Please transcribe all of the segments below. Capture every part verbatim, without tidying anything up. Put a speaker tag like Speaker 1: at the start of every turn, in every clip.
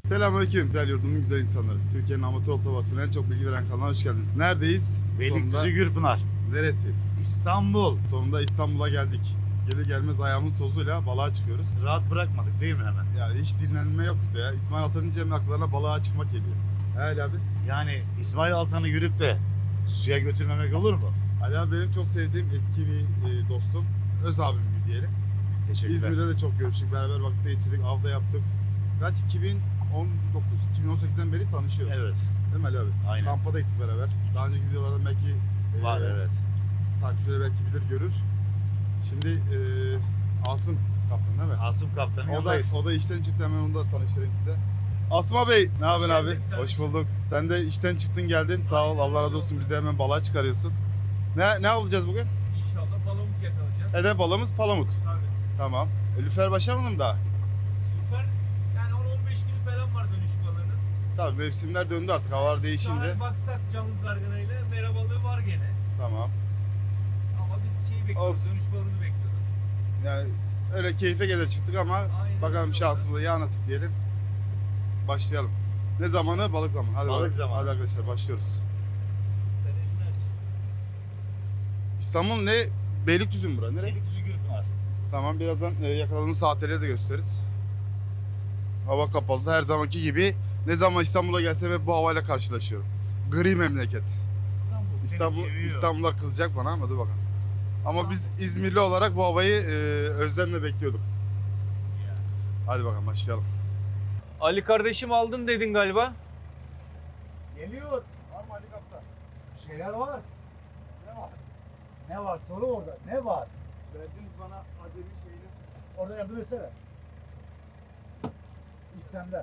Speaker 1: Selamünaleyküm güzel yurdumun güzel insanları. Türkiye'nin amatör otobasının en çok bilgi veren kanalına hoş geldiniz. Neredeyiz?
Speaker 2: Beylikdüzü Gürpınar.
Speaker 1: Neresi?
Speaker 2: İstanbul.
Speaker 1: Sonunda İstanbul'a geldik. Gelir gelmez ayağımın tozuyla balığa çıkıyoruz.
Speaker 2: Rahat bırakmadık değil mi hemen?
Speaker 1: Yani hiç dinlenme yok bizde ya. İsmail Atan'ın Cem'in aklarına balığa çıkmak geliyor. He Ali abi.
Speaker 2: Yani İsmail Altan'ı yürüp de suya götürmemek olur mu?
Speaker 1: Ali abi benim çok sevdiğim eski bir e, dostum. Öz abim gibi diyelim.
Speaker 2: Teşekkürler.
Speaker 1: İzmir'de de çok görüştük. Beraber vakit geçirdik. Avda yaptık. Kaç? iki bin on dokuz, iki bin on sekizden beri tanışıyoruz.
Speaker 2: Evet.
Speaker 1: Değil mi Ali abi?
Speaker 2: Aynen.
Speaker 1: Kampa da gittik beraber. Daha önceki videolarda belki
Speaker 2: Var
Speaker 1: e,
Speaker 2: evet.
Speaker 1: takipçileri belki bilir görür. Şimdi e, Asım kaptan değil mi?
Speaker 2: Asım Kaptan'ın
Speaker 1: O da,
Speaker 2: yanındayız.
Speaker 1: o da işten çıktı, hemen onu da tanıştırayım size. Asım Bey, ne haber abi?
Speaker 3: geldin kardeşim.
Speaker 1: Hoş bulduk. Sen de işten çıktın geldin. Sağ ol, Allah razı olsun. Biz de hemen balığa çıkarıyorsun. Ne ne alacağız bugün?
Speaker 3: İnşallah palamut yakalayacağız.
Speaker 1: Ede balığımız palamut.
Speaker 3: Tabii.
Speaker 1: Tamam. E, lüfer başlamadı mı daha?
Speaker 3: Lüfer yani on on beş günü falan var dönüş balığının.
Speaker 1: Tabii mevsimler döndü artık, havalar değişince.
Speaker 3: Şu an baksak canlı zarganayla mera balığı var gene.
Speaker 1: Tamam.
Speaker 3: Ama biz şeyi bekliyoruz,
Speaker 1: Olsun.
Speaker 3: dönüş balığını bekliyoruz.
Speaker 1: Yani öyle keyfe gelir çıktık ama
Speaker 3: Aynen
Speaker 1: bakalım
Speaker 3: öyle.
Speaker 1: şansımıza ya nasip diyelim. Başlayalım. Ne zamanı? Balık zamanı. Hadi
Speaker 2: Balık
Speaker 1: bakalım.
Speaker 2: zamanı.
Speaker 1: Hadi arkadaşlar başlıyoruz.
Speaker 3: Sen elini aç.
Speaker 1: İstanbul ne? Beylikdüzü mü bura? Nereye?
Speaker 2: Beylikdüzü Gürpınar.
Speaker 1: Tamam, birazdan e, yakaladığımız saatleri de gösteririz. Hava kapalı her zamanki gibi. Ne zaman İstanbul'a gelsem hep bu havayla karşılaşıyorum. Gri memleket.
Speaker 2: İstanbul.
Speaker 1: İstanbul,
Speaker 2: Seni seviyor.
Speaker 1: İstanbullar kızacak bana ama dur bakalım. Ama biz İzmirli olarak bu havayı e, özlemle bekliyorduk.
Speaker 2: Ya.
Speaker 1: Hadi bakalım başlayalım.
Speaker 3: Ali kardeşim aldın dedin galiba.
Speaker 4: Geliyor.
Speaker 1: Var mı Ali Kaptan?
Speaker 4: Bir şeyler var.
Speaker 1: Ne var?
Speaker 4: Ne var? Soru orada. Ne var?
Speaker 1: Verdiniz bana acemi şeyini.
Speaker 4: Orada yardım etsene. İş sende.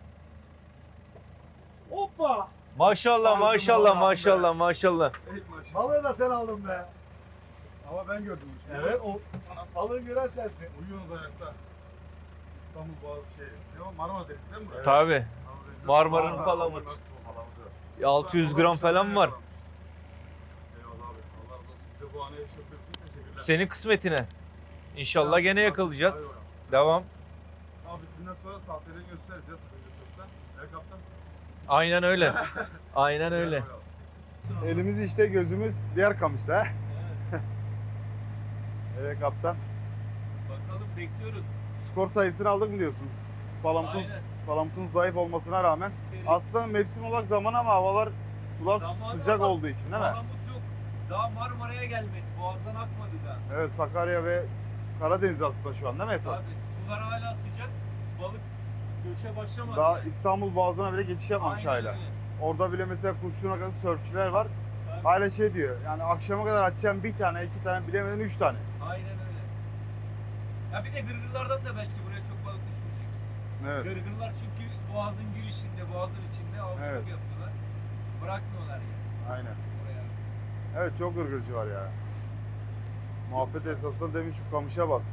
Speaker 4: Hoppa!
Speaker 3: Maşallah
Speaker 4: Aldım
Speaker 3: maşallah
Speaker 4: Allah'ım
Speaker 3: maşallah maşallah.
Speaker 1: Ey maşallah.
Speaker 4: Balığı da sen aldın be.
Speaker 1: Ama ben gördüm işte.
Speaker 4: Evet, o balığı gören sensin.
Speaker 1: Uyuyorsunuz ayakta. İstanbul Boğazı şey. Ne o? Marmara Denizi değil mi burası?
Speaker 3: Tabi.
Speaker 1: Marmara Denizi.
Speaker 3: Marmara'nın
Speaker 1: Marmara,
Speaker 3: palamut.
Speaker 1: nasıl bu palamutu?
Speaker 3: altı yüz gram falan var.
Speaker 1: Eyvallah abi. Allah razı olsun. Bize bu anı yaşattığın için teşekkürler.
Speaker 3: Senin kısmetine. İnşallah gene yakalayacağız.
Speaker 1: Hadi bakalım.
Speaker 3: Devam.
Speaker 1: Abi bitinden sonra saatlerini göstereceğiz. Sıkıntı yoksa. Evet kaptan.
Speaker 3: Aynen öyle. Aynen öyle.
Speaker 1: Elimiz işte, gözümüz diğer kamışta. Evet kaptan.
Speaker 3: Bakalım bekliyoruz.
Speaker 1: Skor sayısını aldık mı diyorsun? Palamutun,
Speaker 3: Aynen.
Speaker 1: palamutun zayıf olmasına rağmen. Aslında mevsim olarak zaman ama havalar, sular
Speaker 3: Zaman
Speaker 1: sıcak
Speaker 3: ama
Speaker 1: olduğu için değil mi?
Speaker 3: Palamut yok. Daha Marmara'ya gelmedi. Boğazdan akmadı da.
Speaker 1: Evet, Sakarya ve Karadeniz aslında şu an değil mi esas?
Speaker 3: Tabii. Sular hala sıcak. Balık göçe başlamadı.
Speaker 1: Daha
Speaker 3: yani.
Speaker 1: İstanbul Boğazı'na bile geçiş yapmamış
Speaker 3: Aynen
Speaker 1: hala.
Speaker 3: öyle.
Speaker 1: Orada bile mesela kurşun arkası sörfçüler var.
Speaker 3: Tabii.
Speaker 1: Hala şey diyor, yani akşama kadar açacağım bir tane, iki tane, bilemeden üç tane.
Speaker 3: Aynen öyle. Ya bir de gırgırlardan da belki buraya çok balık düşmeyecek.
Speaker 1: Evet.
Speaker 3: Gırgırlar çünkü boğazın girişinde, boğazın içinde avcılık
Speaker 1: Evet.
Speaker 3: yapıyorlar. Bırakmıyorlar yani
Speaker 1: Aynen.
Speaker 3: oraya.
Speaker 1: Evet, çok gırgırcı var ya. Muhabbet esasında demin şu kamışa bas.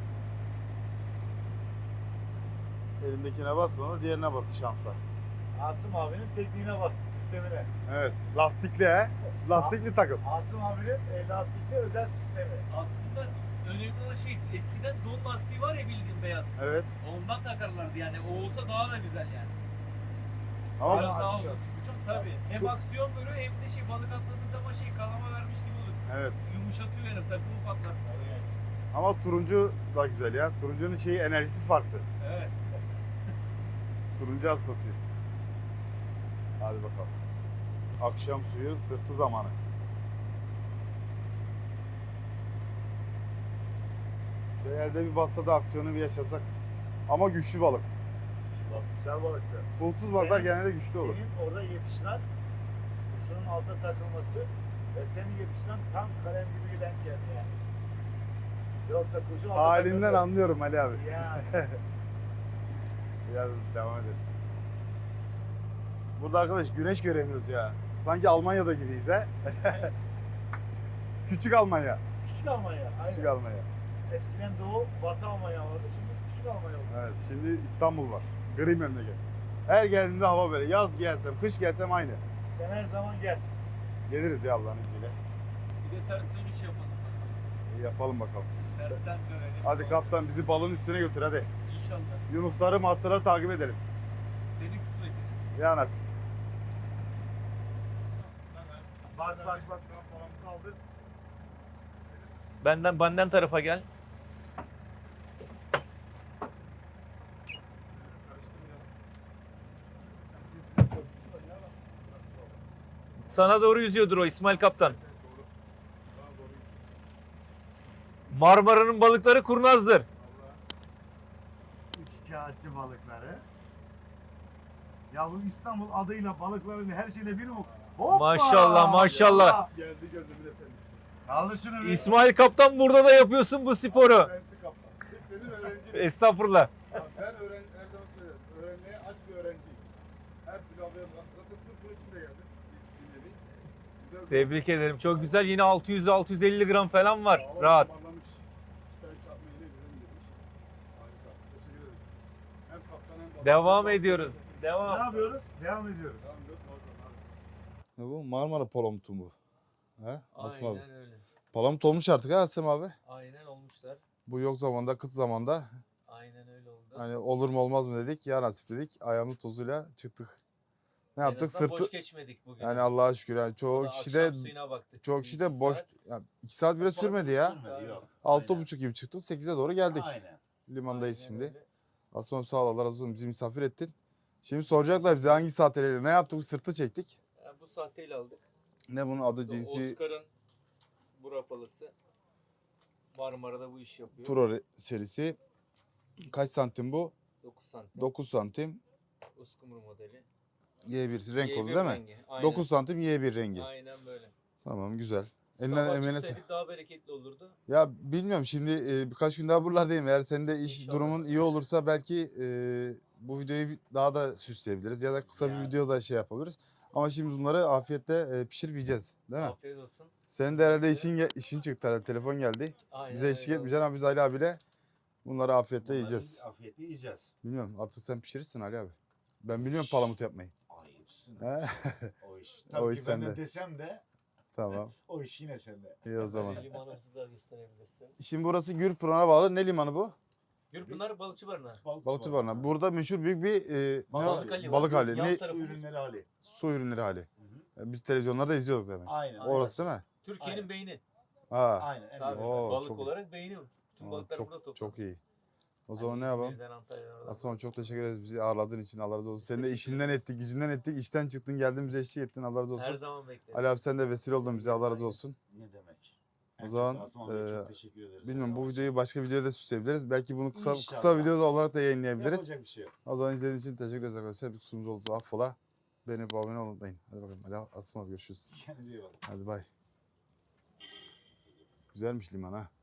Speaker 1: Elimdekine basma, diğerine bas şansa.
Speaker 4: Asım abinin tekniğine bastı, sistemine.
Speaker 1: Evet, lastikli he. Lastikli takım.
Speaker 4: Asım abinin e, lastikli özel sistemi.
Speaker 3: Aslında önemli olan şey eskiden don lastiği var ya bildiğin beyaz.
Speaker 1: Evet.
Speaker 3: Ondan takarlardı yani. O olsa daha da güzel yani.
Speaker 1: Ama
Speaker 3: Biraz daha
Speaker 4: aksiyon.
Speaker 3: uzun. Tabii. Hem aksiyon böyle hem de şey balık atladığı zaman şey kalama vermiş gibi olur.
Speaker 1: evet.
Speaker 3: Yumuşatıyor yani takımı patlatıyor.
Speaker 1: Ama turuncu da güzel ya. Turuncunun şeyi, enerjisi farklı.
Speaker 3: Evet.
Speaker 1: Turuncu hastasıyız. Hadi bakalım. Akşam suyu sırtı zamanı. Şöyle elde bir bassa da aksiyonu bir yaşasak. Ama güçlü balık.
Speaker 4: Şu bak, güzel balıktı.
Speaker 1: Pulsuz balıklar
Speaker 4: Senin-
Speaker 1: genelde güçlü olur.
Speaker 4: Senin orada yetişmen, kurşunun altta takılması ve senin yetişmen tam kalem gibi denk geldi yani. Yoksa kurşun altta
Speaker 1: Halinden
Speaker 4: takıldı.
Speaker 1: anlıyorum Ali abi.
Speaker 4: Yani.
Speaker 1: Biraz devam edelim. Burada arkadaş güneş göremiyoruz ya. Sanki Almanya'da gibiyiz he. Küçük Almanya.
Speaker 4: Küçük Almanya. Aynen.
Speaker 1: Küçük Almanya.
Speaker 4: Eskiden Doğu, Batı Almanya vardı. Şimdi Küçük Almanya oldu.
Speaker 1: Evet, şimdi İstanbul var. Gri memleket. Her geldiğimde hava böyle. Yaz gelsem, kış gelsem aynı.
Speaker 4: Sen her zaman gel.
Speaker 1: Geliriz ya Allah'ın izniyle.
Speaker 3: Bir de ters dönüş yapalım.
Speaker 1: İyi yapalım bakalım.
Speaker 3: Tersten dönelim.
Speaker 1: Hadi kaptan bizi balın üstüne götür hadi.
Speaker 3: İnşallah.
Speaker 1: Yunusları, matları takip edelim.
Speaker 3: Senin kısmetin.
Speaker 1: Ya nasip.
Speaker 2: Bak bak bak.
Speaker 1: Palamut aldı.
Speaker 3: Benden benden tarafa gel. Sana doğru yüzüyordur o İsmail Kaptan. Marmara'nın balıkları kurnazdır.
Speaker 2: Üç kağıtçı balıkları. Ya bu İstanbul adıyla balıkların her şeyle bir mi? Hoppa!
Speaker 3: Maşallah, maşallah.
Speaker 1: Geldi gözümün efendisi.
Speaker 2: Kaldır şunu bir.
Speaker 3: İsmail Kaptan burada da yapıyorsun bu sporu.
Speaker 1: Kendisi kaptan. Biz senin öğrencin.
Speaker 3: Estağfurullah.
Speaker 1: Ya ben öğren her zaman söylerim. Öğrenmeye aç bir öğrenciyim. Her türlü haberi var. Zaten sırf bunun için de geldim. Bir dinledik. Güzel bir-
Speaker 3: Tebrik ederim. Çok güzel. Yine altı yüz altı yüz elli gram falan var.
Speaker 1: Sağlam
Speaker 3: Rahat.
Speaker 1: toparlamış. İki tane çarpma yine güzel demiş. Harika. Teşekkür ederiz. Hem kaptan hem balık.
Speaker 3: Devam ediyoruz.
Speaker 2: Ne
Speaker 3: Devam.
Speaker 2: yapıyoruz? Devam ediyoruz.
Speaker 1: Devam ediyoruz. Ne bu? Marmara Palamut'u bu. He? Asım abi.
Speaker 3: öyle.
Speaker 1: Palamut olmuş artık ha Asım abi.
Speaker 3: Aynen olmuşlar.
Speaker 1: Bu yok zamanda, kıt zamanda.
Speaker 3: Aynen öyle oldu.
Speaker 1: Hani olur mu olmaz mı dedik. Ya nasip dedik. Ayağımın tozuyla çıktık. Ne yaptık? Sırtı.
Speaker 3: boş geçmedik bugün.
Speaker 1: Yani Allah'a şükür. Yani çoğu kişi de çoğu kişi de boş. Yani iki saat bile sürmedi ya.
Speaker 2: Sürmedi, yok.
Speaker 1: Altı
Speaker 2: Aynen.
Speaker 1: buçuk gibi çıktık. Sekize doğru geldik.
Speaker 2: Aynen.
Speaker 1: Limandayız şimdi. Asmam sağ ol, Allah razı olsun, bizi misafir ettin. Şimdi soracaklar bize hangi saatleri ne yaptık? Sırtı çektik.
Speaker 3: Yani bu sahteyle aldık.
Speaker 1: Ne bunun adı, cinsi?
Speaker 3: Oscar'ın Burapalısı. Marmara'da bu iş yapıyor.
Speaker 1: Pro re- serisi. Kaç santim bu?
Speaker 3: dokuz santim.
Speaker 1: dokuz santim.
Speaker 3: Uskumru modeli.
Speaker 1: Y bir renk
Speaker 3: Y
Speaker 1: oldu
Speaker 3: bir
Speaker 1: değil mi?
Speaker 3: rengi. Aynen.
Speaker 1: dokuz santim Y bir rengi.
Speaker 3: Aynen böyle.
Speaker 1: Tamam, güzel. Eline
Speaker 3: Sabah
Speaker 1: emeğine sa-
Speaker 3: çıksaydık daha bereketli olurdu.
Speaker 1: Ya bilmiyorum, şimdi e, birkaç gün daha buralardayım. Eğer senin de iş
Speaker 3: İnşallah.
Speaker 1: durumun iyi olursa belki e, bu videoyu bir- daha da süsleyebiliriz. Ya da kısa bir
Speaker 2: Yani.
Speaker 1: video da şey yapabiliriz. Ama şimdi bunları afiyetle e, pişirip yiyeceğiz. Değil mi?
Speaker 3: Afiyet olsun.
Speaker 1: Senin de herhalde işin, ge- işin çıktı herhalde. Telefon geldi.
Speaker 3: Aynen
Speaker 1: Bize eşlik
Speaker 3: öyle
Speaker 1: etmeyeceksin ama biz Ali abiyle bunları afiyetle
Speaker 2: Bunları
Speaker 1: yiyeceğiz.
Speaker 2: Afiyetle yiyeceğiz.
Speaker 1: Bilmiyorum, artık sen pişirirsin Ali abi. Ben biliyorum palamut yapmayı.
Speaker 2: Ayıpsın.
Speaker 1: He?
Speaker 2: O iş. Tabii
Speaker 1: O
Speaker 2: ki
Speaker 1: iş
Speaker 2: ben de
Speaker 1: sende.
Speaker 2: desem de
Speaker 1: Tamam.
Speaker 2: o iş yine sende.
Speaker 1: İyi o zaman.
Speaker 3: Böyle limanımızı da gösterebilirsin.
Speaker 1: Şimdi burası Gürpınar'a bağlı. Ne limanı bu?
Speaker 3: Gürpınar Balıkçı Barınağı.
Speaker 1: Balıkçı Barınağı. Burada meşhur büyük bir e, ne
Speaker 2: Balık
Speaker 1: var?
Speaker 3: hali var.
Speaker 1: balık hali.
Speaker 3: Yan
Speaker 1: Ne?
Speaker 3: tarafı-
Speaker 2: Su ürünleri hali.
Speaker 1: Su ürünleri hali. E, Biz televizyonlarda izliyorduk demek.
Speaker 2: Aynen.
Speaker 1: Orası değil mi?
Speaker 3: Türkiye'nin
Speaker 2: Aynen.
Speaker 3: beyni.
Speaker 1: Ha.
Speaker 2: Aynen. en
Speaker 3: Tabii.
Speaker 2: büyük.
Speaker 1: Oo,
Speaker 3: Balık
Speaker 1: çok-
Speaker 3: olarak beyni. Bütün
Speaker 1: Aa,
Speaker 3: balıklar burada
Speaker 1: çok
Speaker 3: toplanıyor.
Speaker 1: çok iyi. O zaman
Speaker 3: Hani
Speaker 1: ne yapalım?
Speaker 3: İzmir'den, Antalya'dan, oradan.
Speaker 1: Aslan çok teşekkür ederiz bizi ağırladığın için. Allah razı olsun. Senin de işinden ettik, gücünden ettik. İşten çıktın, geldin bize eşlik ettin. Allah razı
Speaker 3: Her
Speaker 1: olsun.
Speaker 3: zaman bekleriz.
Speaker 1: Ali abi sen de vesile oldun bize. Allah razı olsun.
Speaker 2: Ne demek?
Speaker 1: O
Speaker 2: En
Speaker 1: zaman,
Speaker 2: çok Asım abiye
Speaker 1: e,
Speaker 2: çok teşekkür ederiz.
Speaker 1: Bilmiyorum, bu videoyu başka videoda da süsleyebiliriz. Belki bunu kısa
Speaker 2: İnşallah.
Speaker 1: kısa videoda olarak da yayınlayabiliriz.
Speaker 2: Yapacak bir şey yok.
Speaker 1: O zaman izlediğiniz için teşekkür ederiz arkadaşlar. Bir kusurumuz oldu, affola. Beğenip abone olmayı unutmayın. Hadi bakalım. Ali Asım abi görüşürüz.
Speaker 2: Kendinize iyi bakın.
Speaker 1: Hadi bay. Güzelmiş liman ha.